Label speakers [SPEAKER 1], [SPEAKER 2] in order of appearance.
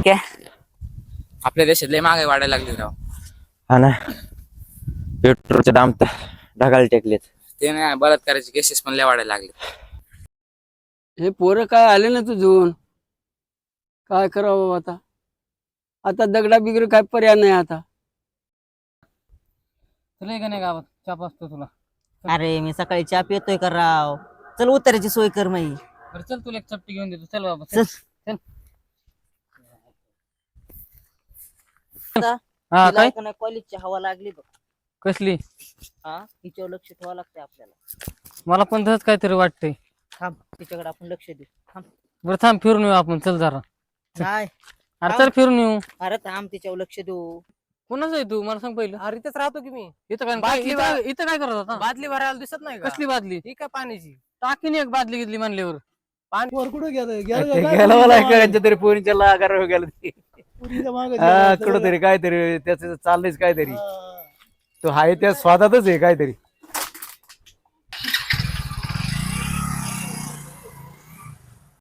[SPEAKER 1] ठीक आहे. आपल्या देशात लय महागाई वाढायला लागली राव.
[SPEAKER 2] हा ना, पेट्रोलचे दाम तर ढगाला टेकलेत.
[SPEAKER 1] ते नाही, बलात्काराचे केसेस पण लय वाढायला लागले.
[SPEAKER 3] हे पोरं काय आले ना तुझून, काय करावं आता. आता दगडा बिगड काय पर्याय नाही आता.
[SPEAKER 4] तुला का नाही गावात चाप असतो तुला.
[SPEAKER 5] अरे मी सकाळी चहा पितोय का राव. चल उतारायची सोय कर माई.
[SPEAKER 4] बरं चल तुला एक चपटी घेऊन देतो. चल बाबा
[SPEAKER 5] चल.
[SPEAKER 4] चल. हा काय
[SPEAKER 5] कॉलेजची हवा लागली बघ.
[SPEAKER 4] कसली.
[SPEAKER 5] हा तिच्यावर लक्ष ठेवावं लागतंय आपल्याला.
[SPEAKER 4] मला पण तसंच काहीतरी वाटतंय.
[SPEAKER 5] थांब तिच्याकडे आपण लक्ष देऊ. थांब.
[SPEAKER 4] बरं थांब फिरून येऊ आपण. चल जरा.
[SPEAKER 5] नाही
[SPEAKER 4] अरे चल फिरून येऊ.
[SPEAKER 5] अरे थांब तिच्यावर लक्ष देऊ.
[SPEAKER 4] कोणाच आहे तू मला सांग पहिलं.
[SPEAKER 6] अरे इथेच राहतो की मी.
[SPEAKER 4] इथं काय
[SPEAKER 6] बाटली
[SPEAKER 4] इथं काय करत होता.
[SPEAKER 6] बादली भरायला दिसत नाही का?
[SPEAKER 4] कसली बादली.
[SPEAKER 6] ही काय पाण्याची.
[SPEAKER 4] टाकीन एक बादली घेतली म्हणल्यावर.
[SPEAKER 6] पाणी वर कुठं
[SPEAKER 2] गेलं मला एखाद्या तरी पोरींच्या लागार गेलं ते. कुठं तरी काहीतरी त्याच चाललंयच काहीतरी. तो हाय त्या स्वादातच आहे काहीतरी.